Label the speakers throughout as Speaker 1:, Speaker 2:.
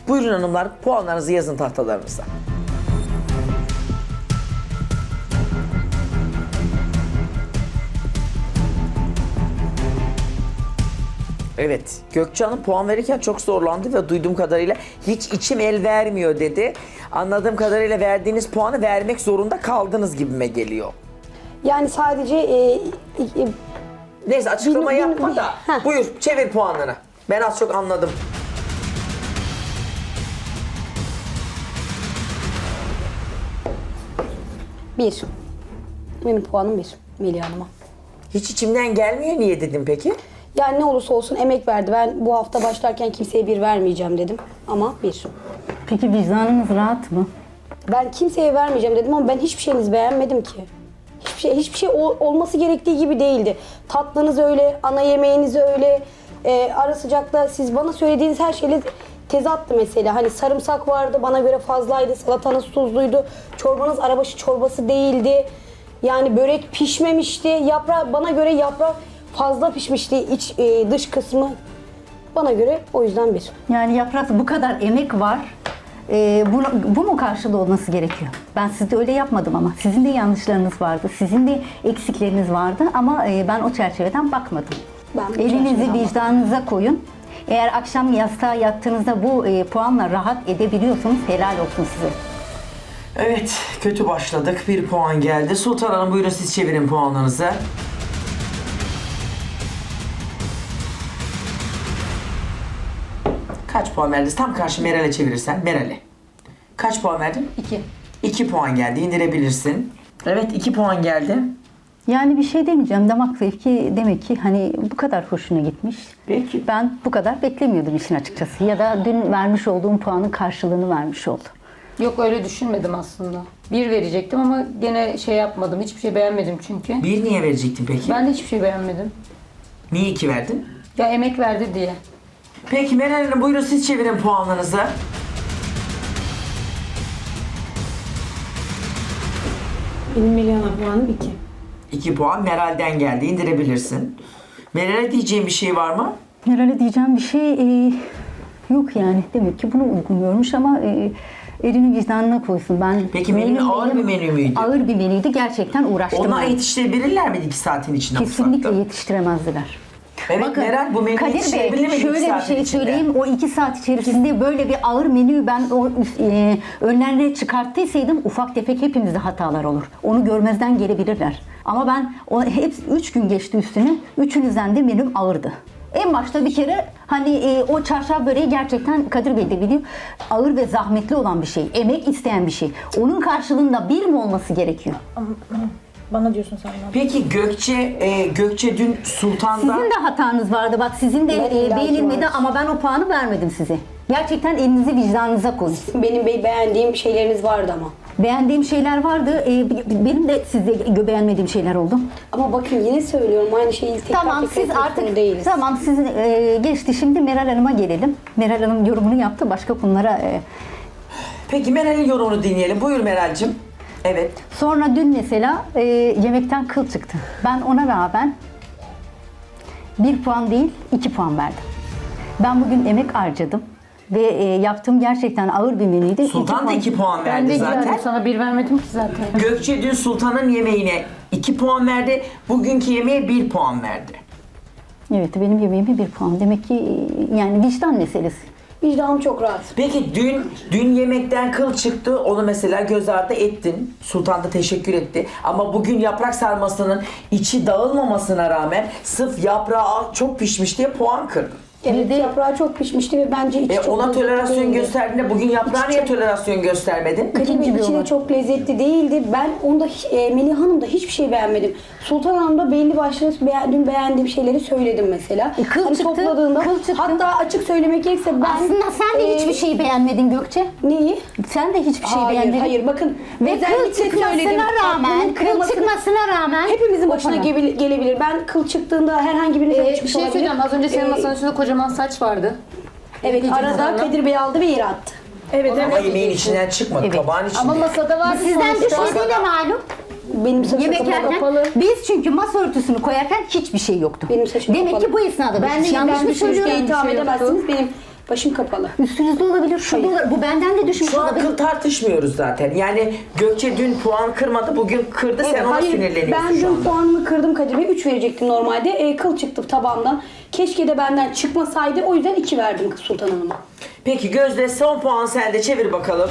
Speaker 1: Buyurun hanımlar, puanlarınızı yazın tahtalarınıza. Evet, Gökçe Hanım puan verirken çok zorlandı ve duyduğum kadarıyla hiç içim el vermiyor dedi. Anladığım kadarıyla verdiğiniz puanı vermek zorunda kaldınız gibime geliyor.
Speaker 2: Yani sadece
Speaker 1: Neyse açıklama
Speaker 2: Bin-
Speaker 1: yapma da
Speaker 2: Heh.
Speaker 1: buyur çevir puanını. Ben az çok anladım.
Speaker 2: bir. Benim puanım bir Melih Hanım'a.
Speaker 1: Hiç içimden gelmiyor niye dedim peki?
Speaker 2: Yani ne olursa olsun emek verdi. Ben bu hafta başlarken kimseye bir vermeyeceğim dedim. Ama bir.
Speaker 3: Peki vicdanınız rahat mı?
Speaker 2: Ben kimseye vermeyeceğim dedim ama ben hiçbir şeyinizi beğenmedim ki. Hiçbir şey olması gerektiği gibi değildi. Tatlınız öyle, ana yemeğiniz öyle. Ara sıcakta siz bana söylediğiniz her şeyle tezattı mesela. Hani sarımsak vardı, bana göre fazlaydı. Salatanız tuzluydu. Çorbanız arabaşı çorbası değildi. Yani börek pişmemişti. Bana göre yaprak fazla pişmişti. Dış kısmı bana göre o yüzden bir.
Speaker 3: Yani yaprak bu kadar emek var. Bu mu karşılığı olması gerekiyor? Ben sizde öyle yapmadım ama. Sizin de yanlışlarınız vardı. Sizin de eksikleriniz vardı ama ben o çerçeveden bakmadım.
Speaker 2: Ben bu
Speaker 3: Elinizi
Speaker 2: çerçeveden
Speaker 3: vicdanınıza koyun. Eğer akşam yastığa yattığınızda bu puanla rahat edebiliyorsanız helal olsun size.
Speaker 1: Evet, kötü başladık. Bir puan geldi. Sultan Hanım buyurun siz çevirin puanlarınızı. Kaç puan verdiniz? Tam karşı Meral'e çevirirsen. Meral'e. Kaç puan verdin?
Speaker 3: 2.
Speaker 1: 2 puan geldi. İndirebilirsin. Evet 2 puan geldi.
Speaker 3: Yani bir şey demeyeceğim. Damak zevki demek ki hani bu kadar hoşuna gitmiş.
Speaker 1: Peki.
Speaker 3: Ben bu kadar beklemiyordum işin açıkçası. Ya da dün vermiş olduğum puanın karşılığını vermiş oldu.
Speaker 4: Yok öyle düşünmedim aslında. Bir verecektim ama gene şey yapmadım. Hiçbir şey beğenmedim çünkü.
Speaker 1: Bir niye verecektin peki?
Speaker 4: Ben de hiçbir şey beğenmedim.
Speaker 1: Niye 2 verdin?
Speaker 4: Ya emek verdi diye.
Speaker 1: Peki Meral Hanım buyurun siz çevirin puanlarınızı.
Speaker 5: Benim Melih Hanım puanım 2.
Speaker 1: 2 puan Meral'den geldi. İndirebilirsin. Meral'e diyeceğim bir şey var mı?
Speaker 3: Herhalde diyeceğim bir şey yok yani. Demek ki bunu uygun görmüş ama elini vicdanına koysun.
Speaker 1: Peki menü ağır bir menü müydü?
Speaker 3: Ağır bir menüydü. Gerçekten uğraştım.
Speaker 1: Onlar
Speaker 3: ben.
Speaker 1: yetiştirebilirler miydi 2 saatin içinde
Speaker 3: Kesinlikle
Speaker 1: mutfakta?
Speaker 3: yetiştiremezdiler.
Speaker 1: Evet Meral bu menü
Speaker 3: Kadir Bey
Speaker 1: yetiştirebilir miydi 2
Speaker 3: şöyle bir
Speaker 1: saatin
Speaker 3: şey
Speaker 1: içinde?
Speaker 3: söyleyeyim. O 2 saat içerisinde böyle bir ağır menüyü ben önlerine çıkarttıysaydım ufak tefek hepimizde hatalar olur. Onu görmezden gelebilirler. Ama ben hep 3 gün geçti üstüne. Üçünüzden de menüm ağırdı. En başta bir kere hani o çarşaf böreği gerçekten Kadir Bey de biliyor. Ağır ve zahmetli olan bir şey. Emek isteyen bir şey. Onun karşılığında bir mi olması gerekiyor?
Speaker 5: Bana diyorsun sen.
Speaker 1: Peki Gökçe dün Sultan'da...
Speaker 3: Sizin de hatanız vardı. Bak sizin de
Speaker 2: Ben illaki
Speaker 3: beğenilmedi
Speaker 2: var.
Speaker 3: ama ben o puanı vermedim size. Gerçekten elinizi vicdanınıza koyun.
Speaker 2: Benim beğendiğim şeyleriniz vardı ama.
Speaker 3: Beğendiğim şeyler vardı. Benim de sizde beğenmediğim şeyler oldu.
Speaker 2: Ama bakın yine söylüyorum aynı şeyi tekrar
Speaker 3: Tamam
Speaker 2: tekrar
Speaker 3: siz
Speaker 2: etmek
Speaker 3: artık
Speaker 2: zorunda değiliz.
Speaker 3: tamam siz geçti. Şimdi Meral Hanım'a gelelim. Meral Hanım yorumunu yaptı. Başka konulara
Speaker 1: Peki Meral'in yorumunu dinleyelim. Buyur Meral'cim. Evet.
Speaker 3: sonra dün mesela yemekten kıl çıktı. Ben ona rağmen 1 puan değil 2 puan verdim. Ben bugün emek harcadım. Ve yaptığım gerçekten ağır bir menüydü.
Speaker 1: Sultan da 2 puan
Speaker 4: Ben
Speaker 1: verdi
Speaker 4: de
Speaker 1: zaten.
Speaker 4: zaten sana bir vermedim ki zaten.
Speaker 1: Gökçe dün Sultan'ın yemeğine 2 puan verdi. Bugünkü yemeğe 1 puan verdi.
Speaker 3: Evet benim yemeğime 1 puan. Demek ki yani vicdan meselesi.
Speaker 2: Vicdanım çok rahat.
Speaker 1: Peki dün yemekten kıl çıktı. Onu mesela göz ardı ettin. Sultan da teşekkür etti. Ama bugün yaprak sarmasının içi dağılmamasına rağmen sırf yaprağı çok pişmiş diye puan kırdın.
Speaker 2: Evet yaprağı çok pişmişti ve bence içi çok
Speaker 1: Ona
Speaker 2: lezzetli
Speaker 1: tolerasyon
Speaker 2: değildi.
Speaker 1: gösterdiğinde bugün yaprağa niye tolerasyon göstermedin?
Speaker 2: Kadir içi de çok lezzetli değildi. Ben onda Melih Hanım'da hiçbir şey beğenmedim. Sultan Hanım'da belli başlı beğendiğim şeyleri söyledim mesela.
Speaker 3: Kıl çıktı,
Speaker 2: Topladığında
Speaker 3: kıl çıktı.
Speaker 2: hatta açık söylemek gerekirse ben
Speaker 3: Aslında sen de hiçbir şey beğenmedin Gökçe.
Speaker 2: Neyi?
Speaker 3: Sen de hiçbir şey beğenmedin.
Speaker 2: Hayır bakın.
Speaker 3: Ve kıl
Speaker 2: özellikle
Speaker 3: çıkmasına
Speaker 2: söyledim.
Speaker 3: rağmen,
Speaker 2: Tatlının
Speaker 3: kıl
Speaker 2: kremasını-
Speaker 3: çıkmasına rağmen
Speaker 2: Hepimizin başına
Speaker 3: o puan.
Speaker 2: gelebilir. Ben kıl çıktığında herhangi birine
Speaker 4: Bir şey söyleyeceğim. Az önce senin masanın üstünde kocaman saç vardı.
Speaker 2: Evet
Speaker 4: Diyeceğim
Speaker 2: arada
Speaker 4: sana.
Speaker 2: Kadir Bey aldı ve yere attı.
Speaker 5: Evet
Speaker 1: Ama
Speaker 5: evet.
Speaker 1: yemeğin içinden çıkmadı.
Speaker 3: Evet.
Speaker 1: Tabağın içinde.
Speaker 4: Ama masada vardı
Speaker 3: Sizden
Speaker 4: sonuçta.
Speaker 3: düşmediği de malum.
Speaker 2: Benim saçım
Speaker 3: Yemek yerken
Speaker 2: kapalı.
Speaker 3: biz çünkü masa örtüsünü koyarken hiçbir şey yoktu.
Speaker 2: Benim saçım
Speaker 3: Demek
Speaker 2: kapalı.
Speaker 3: ki bu esnada
Speaker 4: Ben de
Speaker 3: yanlış mı
Speaker 4: ben
Speaker 3: söylüyorum?
Speaker 4: düşünmüştüm.
Speaker 2: itham
Speaker 4: şey
Speaker 2: edemezsiniz. Benim Başım kapalı.
Speaker 3: Üstünüzde olabilir, şurada
Speaker 2: Hayır.
Speaker 3: olabilir. Bu benden de düşmüş
Speaker 1: Şu an
Speaker 3: olabilir.
Speaker 1: kıl tartışmıyoruz zaten. Yani Gökçe dün puan kırmadı, bugün kırdı. Sen ona
Speaker 2: Hayır,
Speaker 1: sinirleniyorsun
Speaker 2: ben
Speaker 1: şu
Speaker 2: dün
Speaker 1: anda.
Speaker 2: puanımı kırdım Kadir Bey. 3 verecektim normalde. Kıl çıktı tabandan. Keşke de benden çıkmasaydı. O yüzden 2 verdim Sultan Hanım'a.
Speaker 1: Peki Gözde, son puan sende, çevir bakalım.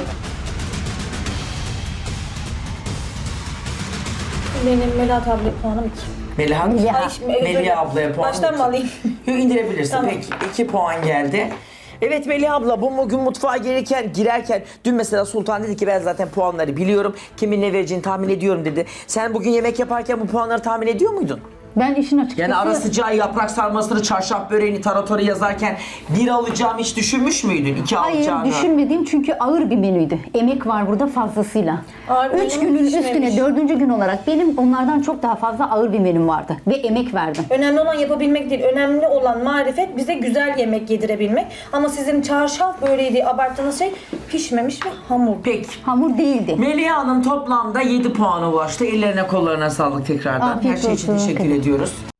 Speaker 5: Benim Melahat abla puanım 2.
Speaker 1: Meliha.
Speaker 5: Ay, şimdi özür dilerim.
Speaker 1: ablaya puan.
Speaker 5: Baştan mı alayım?
Speaker 1: Yok, indirebilirsin.
Speaker 5: Tamam.
Speaker 1: Peki 2 puan geldi. Evet Melih abla, bugün mutfağa girerken dün mesela Sultan dedi ki ben zaten puanları biliyorum. Kimin ne vereceğini tahmin ediyorum dedi. Sen bugün yemek yaparken bu puanları tahmin ediyor muydun?
Speaker 3: Ben işin açıkçası...
Speaker 1: Yani ara sıcağı, yaprak sarmasını, çarşaf böreğini, taratoru yazarken 1 alacağımı hiç düşünmüş müydün? 2
Speaker 3: Hayır,
Speaker 1: alacağını.
Speaker 3: düşünmediğim çünkü ağır bir menüydü. Emek var burada fazlasıyla.
Speaker 5: Ağır
Speaker 3: 3
Speaker 5: menü
Speaker 3: günün
Speaker 5: pişmemiş.
Speaker 3: üstüne 4. gün olarak benim onlardan çok daha fazla ağır bir menüm vardı. Ve emek verdim.
Speaker 5: Önemli olan yapabilmek değil. Önemli olan marifet bize güzel yemek yedirebilmek. Ama sizin çarşaf böreği abarttığınız şey pişmemiş ve hamur.
Speaker 1: Peki.
Speaker 3: Hamur değildi.
Speaker 1: Melih Hanım toplamda 7 puana ulaştı. Ellerine kollarına sağlık tekrardan.
Speaker 3: Afiyet
Speaker 1: Her şey için
Speaker 3: olsun.
Speaker 1: teşekkür ediyoruz.